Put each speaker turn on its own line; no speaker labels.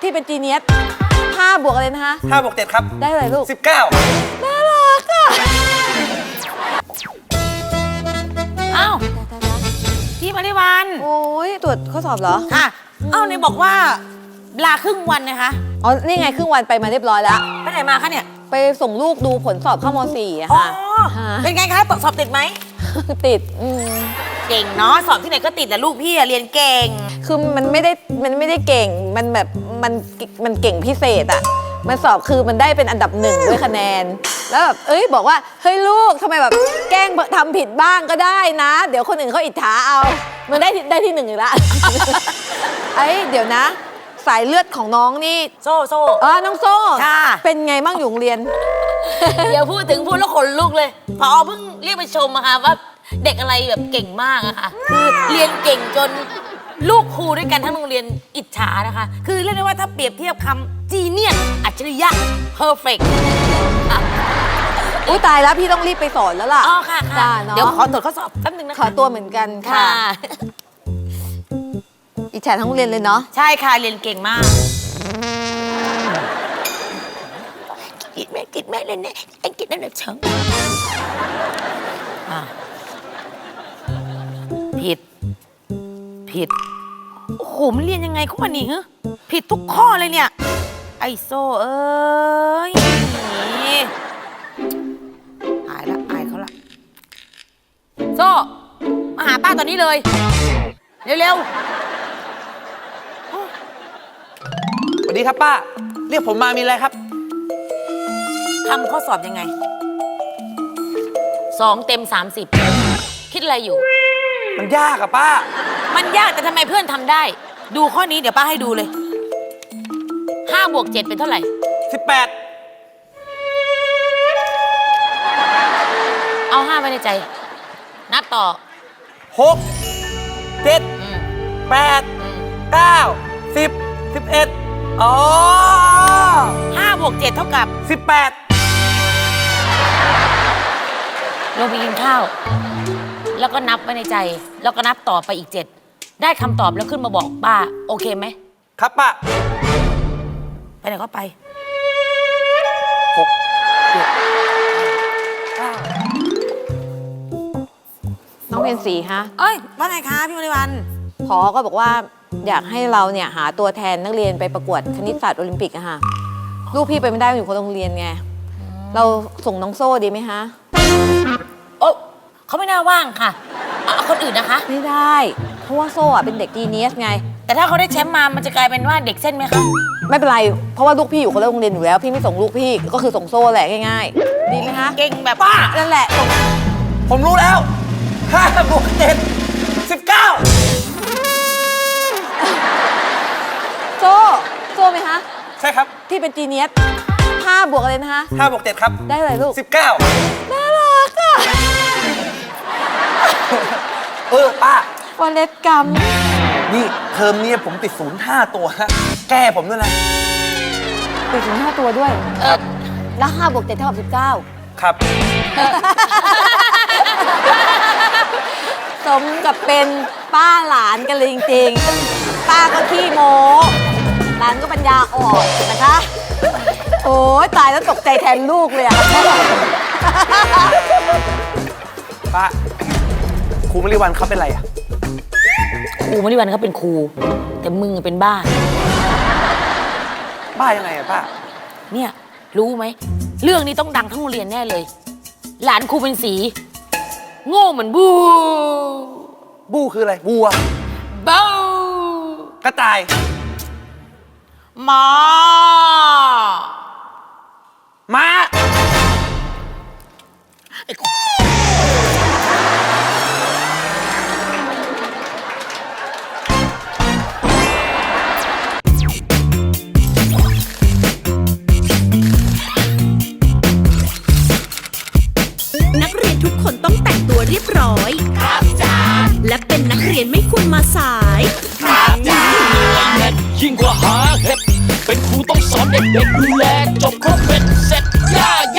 ที่เป็นจีเนียส5 บวกอะไรนะคะ
5 บวก 7ครับ
ได้อะไรลูก
19
น่ารักอ่ะ
อ้าวพี่มาริวัน
โอ้ยตรวจข้อสอบเหรอ
ค่ะอ้าวไหนบอกว่าลาครึ่งวันนะคะ
อ๋อนี่ไงครึ่งวันไปมาเรียบร้อยแล้ว
ไปไหนมาคะเนี่ย
ไปส่งลูกดูผลสอบเข้าม.4อะ
อ๋อ
ค่ะ
เป็นไงคะสอบติดไหม
ติด
เก่งเนาะสอบที่ไหนก็ติดแต่ลูกพี่เรียนเก่ง
คือมันไม่ได้เก่งมันแบบมันเก่งพิเศษอะมันสอบคือมันได้เป็นอันดับ1ด้วยคะแนนแล้วแบบบอกว่าเฮ้ยลูกทำไมแบบแกล้งทำผิดบ้างก็ได้นะเดี๋ยวคนอื่นเขาอิจฉาเอามันได้ที่1อีกแล้วเดี๋ยวนะสายเลือดของน้องนี่
โซ่
น้องโซ่
ค่ะ
เป็นไงบ้างอยู่โรงเรียน
เดี๋ยวพูดแล้วขนลุกเลยพอเพิ่งเรียกไปชมอะค่ะว่าเด็กอะไรแบบเก่งมากอะค่ะคือเรียนเก่งจนลูกครูด้วยกันทั้งโรงเรียนอิจฉานะคะคือเรียกได้ว่าถ้าเปรียบเทียบคำจีเนียสอัจฉริยะเพอร์เฟกต์
อุ้ยตายแล้วพี่ต้องรีบไปสอนแล้วล่ะ
อ๋อค่ะเดี๋ยวขอตรวจข้อสอบแป๊บนึงนะคะ
ขอตัวเหมือนกันค่ะอิจฉาทั้งโรงเรียนเลยเนาะ
ใช่ค่ะเรียนเก่งมากกิดแม่เลยเนี่ยไอ้กิดนั่นแหละเชิงผิดโอ้โหมันเรียนยังไงเข้ามานี่ฮะผิดทุกข้อเลยเนี่ยไอโซ่เอ้ยอายเขาละโซ่มาหาป้าตอนนี้เลยเร็ว
สวัสดีครับป้าเรียกผมมามีอะไรครับ
ทำข้อสอบยังไง2 เต็ม 30คิดอะไรอยู่
มันยากอะป้า
มันยากแต่ทำไมเพื่อนทำได้ดูข้อนี้เดี๋ยวป้าให้ดูเลย5 บวก 7เป็นเท่าไหร่
18
เอา5ไว้ในใจนับต่อ
6 7 8 9 10 11อ๋อ
5 บวก 7เท่ากับ
18
ลงไปกินข้าวแล้วก็นับไว้ในใจแล้วก็นับต่อไปอีก7ได้คำตอบแล้วขึ้นมาบอกป้าโอเคไหม
ครับป้า
ไปไหนก็ไป
6 7 9
น้องเรียน4ฮะ
ว่าไงคะพี่มริวัน
ผอก็บอกว่าอยากให้เราเนี่ยหาตัวแทนนักเรียนไปประกวดคณิตศาสตร์โอลิมปิกอะค่ะลูกพี่ไปไม่ได้อยู่คนละโรงเรียนไงเราส่งน้องโซ่ดีไหมคะ
โอ้เขาไม่น่าว่างค่ะเอาคนอื่นนะคะ
ไม่ได้เพราะว่าโซ่อะเป็นเด็กจีเนียสไง
แต่ถ้าเขาได้แชมป์มามันจะกลายเป็นว่าเด็กเส้นไหมคะ
ไม่เป็นไรเพราะว่าลูกพี่อยู่คนละโรงเรียนอยู่แล้วพี่ไม่ส่งลูกพี่ก็คือส่งโซ่แหละง่ายๆดีไหมคะ
เก่งแบบป้า
นั่นแหละ
ผมรู้แล้ว5 บวก 7 19
โซ่ไหมคะ
ใช่ครับ
ที่เป็นจีเนียส5 บวกอะไรนะคะ
5 บวก 7ครับ
ได้อะไรลูก
19
น่ารักอ่ะ
ป้า
วันเล็กกรรม
นี่เทอมนี้ผมติด05 ตัวฮะแก้ผมด้วยนะ
ติด05 ตัวด้วยแล้ว5 บวก 7 เท่ากับ19
ครับ
สมกับเป็นป้าหลานกันเลยจริงๆป้าก็ขี้โม้หลานก็ปัญญาอ่อนนะคะโอ้ยตายแล้วตกใจแทนลูกเลยอะ
ป้าครูมริวันเขาเป็นไรอะ
ครูมริวันเขาเป็นครูแต่มึงเป็นบ้า
ยังไงอะป้า
เนี่ยรู้ไหมเรื่องนี้ต้องดังทั้งโรงเรียนแน่เลยหลานครูเป็นสีโง่เหมือนบู
คืออะไรบัว
บู
กระต่าย
ม้า
นักเรียนทุกคนต้องแต่งตัวเรียบร้อยครับจ้าและเป็นนักเรียนไม่ควรมาสายครับจ้า
ยิ่งกว่าหาเห็ดเป็นครูต้องสอนเด็กๆดูแลจบครบเป็นเสร็จย่า